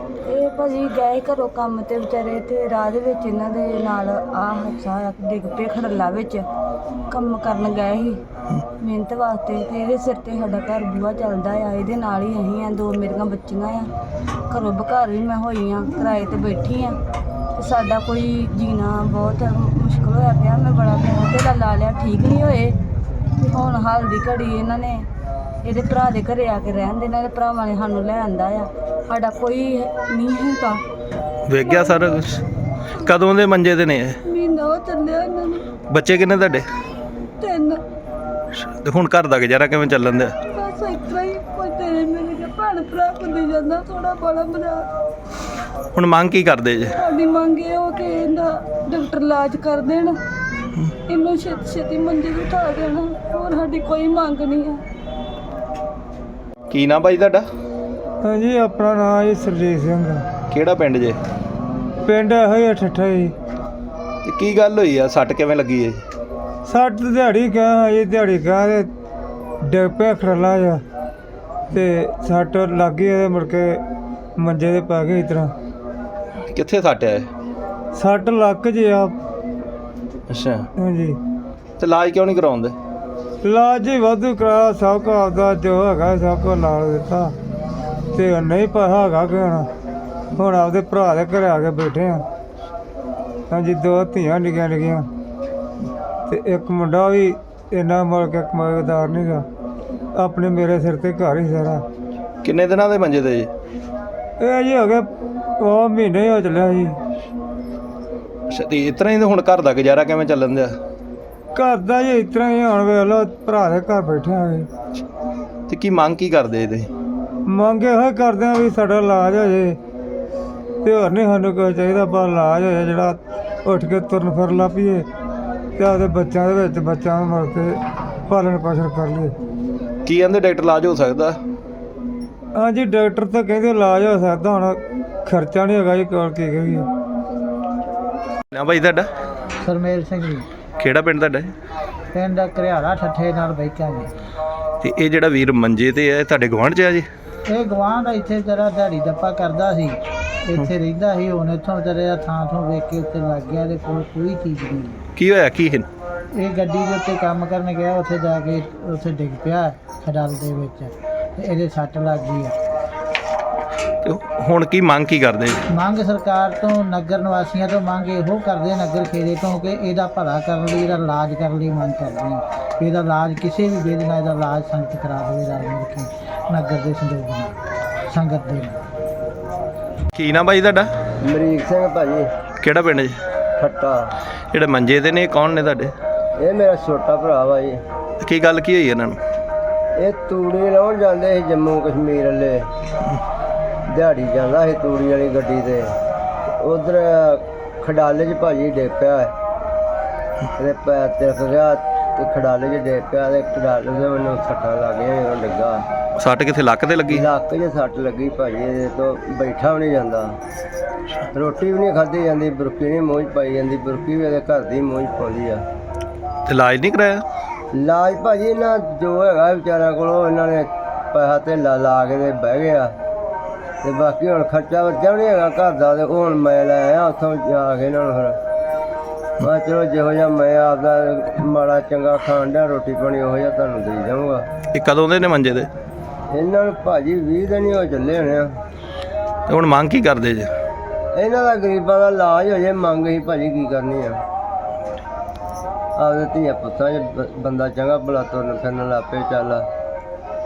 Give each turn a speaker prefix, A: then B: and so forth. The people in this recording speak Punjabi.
A: ਇਹ ਭਾਜੀ ਗਏ ਘਰੋਂ ਕੰਮ ਤੇ ਵਿਚਾਰੇ ਤੇ ਰਾਹ ਦੇ ਵਿੱਚ ਇਹਨਾਂ ਦੇ ਨਾਲ ਹਾਦਸਾ ਡਿੱਗ ਪਏ ਖੜੱਲਾ ਵਿੱਚ। ਕੰਮ ਕਰਨ ਗਏ ਸੀ ਮਿਹਨਤ ਵਾਸਤੇ ਤੇ ਇਹਦੇ ਸਿਰ ਤੇ ਸਾਡਾ ਘਰ ਬੂਹਾ ਚੱਲਦਾ ਆ, ਇਹਦੇ ਨਾਲ ਹੀ ਅਸੀਂ ਆ, 2 ਮੇਰੀਆਂ ਬੱਚੀਆਂ ਆ, ਘਰੋਂ ਬਘਰ ਵੀ ਮੈਂ ਹੋਈ ਆ, ਕਿਰਾਏ ਤੇ ਬੈਠੀ ਆ ਤੇ ਸਾਡਾ ਕੋਈ ਜੀਣਾ ਬਹੁਤ ਮੁਸ਼ਕਿਲ ਹੋਇਆ ਪਿਆ। ਮੈਂ ਬੜਾ ਪੈਸਾ ਲਾ ਲਿਆ, ਠੀਕ ਨਹੀਂ ਹੋਏ ਤੇ ਹੁਣ ਹਾਲ ਦੀ ਘੜੀ ਇਹਨਾਂ ਨੇ ਇਹਦੇ ਭਰਾ ਦੇ ਘਰੇ ਆ ਕੇ ਰਹਿਣ ਦੇ, ਇਹਨਾਂ ਦੇ ਭਰਾਵਾਂ ਨੇ ਸਾਨੂੰ ਲੈ ਆਂਦਾ ਆ, ਸਾਡਾ ਕੋਈ ਨਹੀਂ ਹੈਗਾ।
B: ਵੇਖ ਗਿਆ ਸਾਰਾ ਕੁਛ। ਕਦੋਂ ਦੇ ਮੰਜੇ ਤੇ ਨੇ ਇਹ?
A: ਮਹੀਨਾ ਹੋ ਚੱਲਿਆ ਇਹਨਾਂ ਨੂੰ।
B: ਬੱਚੇ ਕਿੰਨੇ ਤੁਹਾਡੇ?
A: 3।
B: ਤੇ ਹੁਣ ਘਰ ਦਾ ਗੁਜ਼ਾਰਾ ਕਿਵੇਂ ਚੱਲਣ ਦਿਆ?
A: ਬਸ ਇਸ ਤਰ੍ਹਾਂ ਹੀ ਕੋਈ ਤੇਰੇ ਮੇਰੇ ਕੇ ਭੈਣ ਭਰਾ ਹੁੰਦੇ ਜਾਂਦਾ ਥੋੜਾ ਬੜਾ ਬਣਾ।
B: ਹੁਣ ਮੰਗ ਕੀ ਕਰਦੇ ਜੇ?
A: ਸਾਡੀ ਮੰਗ ਇਹ ਹੋ ਕਿ ਇਹਦਾ ਡਾਕਟਰ ਇਲਾਜ ਕਰ ਦੇਣ, ਇਹਨੂੰ ਛੇਤੀ ਮੰਜੇ ਤੋਂ ਉਠਾ ਦੇਣ, ਹੋਰ ਸਾਡੀ ਕੋਈ ਮੰਗ ਨਹੀਂ ਹੈ।
B: ਕੀ ਨਾਂ ਭਾਈ ਤੁਹਾਡਾ?
C: ਹਾਂਜੀ, ਆਪਣਾ ਨਾਂ ਜੀ ਸਰਜੀਤ ਸਿੰਘ।
B: ਕਿਹੜਾ ਪਿੰਡ ਜੇ?
C: ਪਿੰਡ ਇਹੋ ਹੀ ਠੱਠਾ ਜੀ।
B: ਤੇ ਕੀ ਗੱਲ ਹੋਈ ਆ? ਸੱਟ ਕਿਵੇਂ ਲੱਗੀ ਏ?
C: ਸੱਟ ਦਿਹਾੜੀ ਕਹਾਂ ਜੀ, ਦਿਹਾੜੀ ਕਹਾਂ ਤੇ ਡਿੱਗ ਪਿਆ ਖੜੱਲਾ ਜਾ ਤੇ ਸੱਟ ਲੱਗ ਗਈ ਇਹਦੇ, ਮੁੜ ਕੇ ਮੰਜੇ 'ਤੇ ਪੈ ਗਏ। ਇਸ ਤਰ੍ਹਾਂ
B: ਕਿੱਥੇ ਸੱਟ ਆ?
C: ਸੱਟ ਲੱਕ ਜੇ ਆ।
B: ਅੱਛਾ,
C: ਹਾਂਜੀ।
B: ਤੇ ਇਲਾਜ ਕਿਉਂ ਨਹੀਂ ਕਰਾਉਂਦੇ?
C: ਇਲਾਜ ਹੀ ਵਾਧੂ ਕਰਾ, ਸਭ ਕੁਝ ਆਪਦਾ ਜੋ ਹੈਗਾ ਸਭ ਕੁਝ ਨਾਲ ਦਿੱਤਾ ਤੇ ਨਹੀਂ ਪੈਸਾ ਹੈਗਾ ਕਿ ਹੁਣ ਆਪਦੇ ਭਰਾ ਦੇ ਘਰੇ ਆ ਕੇ ਬੈਠੇ ਆ। ਹਾਂਜੀ, 2 ਧੀਆਂ ਨਿੱਕੀਆਂ ਨਿੱਕੀਆਂ ਤੇ ਇੱਕ ਮੁੰਡਾ ਵੀ ਇੰਨਾ ਮੁੜ ਕੇ ਕਮਾਈਦਾਰ ਨਹੀਂ ਗਾ, ਆਪਣੇ ਮੇਰੇ ਸਿਰ ਤੇ ਘਰ ਹੀ ਸਾਰਾ।
B: ਕਿੰਨੇ ਦਿਨਾਂ ਦੇ ਮੰਜੇ ਤੇ ਜੀ?
C: ਇਹ ਜੀ ਹੋ ਗਏ ਉਹ ਮਹੀਨੇ ਹੋ ਚੱਲਿਆ ਜੀ।
B: ਅੱਛਾ, ਤੇ ਇਸ ਤਰ੍ਹਾਂ ਹੀ ਹੁਣ ਘਰ ਦਾ ਗੁਜ਼ਾਰਾ ਕਿਵੇਂ ਚੱਲਣ ਦਿਆ?
C: ਘਰ ਦਾ ਜੀ ਇਸ ਤਰ੍ਹਾਂ ਹੀ, ਹੁਣ ਵੇਖ ਲਓ ਭਰਾ ਦੇ ਘਰ ਬੈਠੇ ਆ ਜੀ।
B: ਤੇ ਕੀ ਮੰਗ ਕੀ ਕਰਦੇ ਇਹਦੇ?
C: ਮੰਗ ਇਹੋ ਹੀ ਕਰਦੇ ਆ ਵੀ ਸਾਡਾ ਇਲਾਜ ਹੋ ਜੇ ਤੇ ਹੋਰ ਨਹੀਂ ਸਾਨੂੰ ਕੋਈ ਚਾਹੀਦਾ, ਪਰ ਇਲਾਜ ਹੋ ਜਾਏ ਜਿਹੜਾ ਉੱਠ ਕੇ ਤੁਰਨ ਫਿਰ ਲਾ ਪਈਏ ਤੇ ਆਪਦੇ ਬੱਚਿਆਂ ਦੇ ਵਿੱਚ ਬੱਚਿਆਂ ਨੂੰ ਮਰ ਕੇ ਪਾਲਣ ਪੋਸ਼ਣ ਕਰ ਲਈਏ।
B: ਕੀ ਕਹਿੰਦੇ ਡਾਕਟਰ ਇਲਾਜ ਹੋ ਸਕਦਾ?
C: ਹਾਂਜੀ, ਡਾਕਟਰ ਤਾਂ ਕਹਿੰਦੇ ਇਲਾਜ ਹੋ ਸਕਦਾ, ਹੁਣ ਖਰਚਾ ਨਹੀਂ ਹੈਗਾ ਜੀ ਕੋਲ, ਕੀ ਕਰੀਏ।
B: ਨਾ ਭਾਈ ਤੁਹਾਡਾ?
D: ਸਰਮੇਲ ਸਿੰਘ ਜੀ,
B: ਕਿਹੜਾ ਪਿੰਡ ਤੁਹਾਡਾ?
D: ਪਿੰਡ ਘਰਿਆਲਾ ਠੱਠੇ ਨਾਲ ਬੈਠਾ ਜੀ।
B: ਤੇ ਇਹ ਜਿਹੜਾ ਵੀਰ ਮੰਜੇ ਤੇ ਹੈ ਤੁਹਾਡੇ ਗੁਆਂਢ 'ਚ ਆ ਜੀ?
D: ਇਹ ਗਵਾਂਢ ਇੱਥੇ ਜਰਾ ਦਿਹਾੜੀ ਦੱਪਾ ਕਰਦਾ ਸੀ, ਇੱਥੇ ਰਹਿੰਦਾ ਸੀ। ਹੁਣ ਇੱਥੋਂ ਵਿਚਾਰੇ ਦਾ ਥਾਂ ਵੇਖ ਕੇ ਉੱਤੇ ਲੱਗ ਗਿਆ, ਇਹਦੇ ਕੋਲ ਕੋਈ ਚੀਜ਼ ਨਹੀਂ।
B: ਕੀ ਹੋਇਆ ਕੀ ਹੈ?
D: ਇਹ ਗੱਡੀ ਦੇ ਉੱਤੇ ਕੰਮ ਕਰਨ ਗਿਆ, ਉੱਥੇ ਜਾ ਕੇ ਉੱਥੇ ਡਿੱਗ ਪਿਆ ਖਡਾਲ ਦੇ ਵਿੱਚ ਤੇ ਇਹਦੇ ਸੱਟ ਲੱਗ ਗਈ ਆ।
B: ਤੇ ਹੁਣ ਕੀ ਮੰਗ ਕੀ ਕਰਦੇ?
D: ਮੰਗ ਸਰਕਾਰ ਤੋਂ, ਨਗਰ ਨਿਵਾਸੀਆਂ ਤੋਂ ਮੰਗ ਇਹੋ ਕਰਦੇ, ਨਗਰ ਖੇੜੇ ਤੋਂ, ਕਿ ਇਹਦਾ ਭਲਾ ਕਰਨ ਲਈ, ਇਹਦਾ ਇਲਾਜ ਕਰਨ ਲਈ ਮੰਗ ਕਰਦੇ ਹਾਂ। ਇਹਦਾ ਇਲਾਜ ਕਿਸੇ ਵੀ ਵੇਲੇ ਨਾਲ ਇਹਦਾ ਇਲਾਜ ਸੰਗਤ ਕਰਾ ਦੇਵੇ, ਰਲ ਮਿਲ ਕੇ ਨਗਰ ਦੇ ਸੰਯੋਗ ਨਾਲ, ਸੰਗਤ ਦੇ ਨਾਲ।
B: ਕੀ ਨਾ ਭਾਈ ਤੁਹਾਡਾ?
E: ਅਮਰੀਕ ਸਿੰਘ ਭਾਜੀ,
B: ਕਿਹੜਾ ਪਿੰਡ ਜੀ?
E: ਠੱਟਾ।
B: ਜਿਹੜੇ ਮੰਜੇ ਤੇ ਨੇ ਕੌਣ ਨੇ ਤੁਹਾਡੇ?
E: ਇਹ ਮੇਰਾ ਛੋਟਾ ਭਰਾ ਵਾ ਜੀ।
B: ਤੇ ਕੀ ਗੱਲ ਕੀ ਹੋਈ ਇਹਨਾਂ ਨੂੰ?
E: ਇਹ ਤੂੜੀ ਲਾਉਣ ਜਾਂਦੇ ਸੀ ਜੰਮੂ ਕਸ਼ਮੀਰ ਵਾਲੇ, ਦਿਹਾੜੀ ਜਾਂਦਾ ਸੀ ਤੂੜੀ ਵਾਲੀ ਗੱਡੀ ਤੇ, ਉਧਰ ਖਡਾਲੇ 'ਚ ਭਾਜੀ ਡਿੱਗ ਪਿਆ, ਇਹਦੇ ਪੈਰ ਤਿਲਕ ਗਿਆ ਤੇ ਖਡਾਲੇ 'ਚ ਡਿੱਗ ਪਿਆ ਤੇ ਖਡਾਲੇ ਦੇ ਮੈਨੂੰ ਸੱਟਾਂ ਲੱਗ ਗਈਆਂ ਜਦੋਂ ਡਿੱਗਾ।
B: ਸੱਟ ਕਿੱਥੇ? ਲੱਕ ਤੇ ਲੱਗੀ?
E: ਲੱਕ 'ਚ ਸੱਟ ਲੱਗੀ ਭਾਜੀ, ਇਹਦੇ ਤੋਂ ਬੈਠਾ ਵੀ ਨਹੀਂ ਜਾਂਦਾ, ਰੋਟੀ ਵੀ ਨਹੀਂ ਖਾਧੀ ਜਾਂਦੀ, ਬੁਰਕੀ ਨਹੀਂ ਮੂੰਹ 'ਚ ਪਾਈ ਜਾਂਦੀ, ਬੁਰਕੀ ਵੀ ਇਹਦੇ ਘਰ ਦੀ ਮੂੰਹ 'ਚ ਪਾਉਂਦੀ ਆ।
B: ਤੇ ਇਲਾਜ ਨਹੀਂ ਕਰਾਇਆ?
E: ਇਲਾਜ ਭਾਜੀ ਇਹਨਾਂ ਜੋ ਹੈਗਾ ਵਿਚਾਰਿਆਂ ਕੋਲੋਂ ਇਹਨਾਂ ਨੇ ਪੈਸਾ ਧੇਲਾ ਲਾ ਕੇ ਤੇ ਬਹਿ ਗਿਆ, ਤੇ ਬਾਕੀ ਹੁਣ ਖਰਚਾ ਵਰਚਾ ਵੀ ਨਹੀਂ ਹੈਗਾ ਘਰ ਦਾ। ਤੇ ਹੁਣ ਮੈਂ ਲੈ ਆਇਆ ਉੱਥੋਂ ਜਾ ਕੇ ਇਹਨਾਂ ਨੂੰ, ਫਿਰ ਮੈਂ ਚਲੋ ਜਿਹੋ ਜਿਹਾ ਮੈਂ ਆਪਦਾ ਮਾੜਾ ਚੰਗਾ ਖਾਣ ਡਿਆ ਰੋਟੀ ਪਾਣੀ ਉਹੋ ਜਿਹਾ ਤੁਹਾਨੂੰ ਦੇ ਜਾਊਂਗਾ।
B: ਇਹ ਕਦੋਂ ਦੇ ਨੇ ਮੰਜੇ ਤੇ?
E: ਇਹਨਾਂ ਨੂੰ ਭਾਜੀ 20 ਦਿਨ ਹੀ ਹੋ ਚੱਲੇ ਹੋਣੇ ਆ।
B: ਤੇ ਹੁਣ ਮੰਗ ਕੀ ਕਰਦੇ ਜੇ?
E: ਇਹਨਾਂ ਦਾ ਗਰੀਬਾਂ ਦਾ ਇਲਾਜ ਹੋ ਜੇ, ਮੰਗ ਹੀ ਭਾਜੀ ਕੀ ਕਰਨੀ ਆ। ਆਪਦੇ ਧੀਆਂ ਪੁੱਤਾਂ 'ਚ ਬੰਦਾ ਚੰਗਾ ਭਲਾ ਤੁਰਨ ਫਿਰਨ ਲੱਗ ਪਏ, ਚੱਲ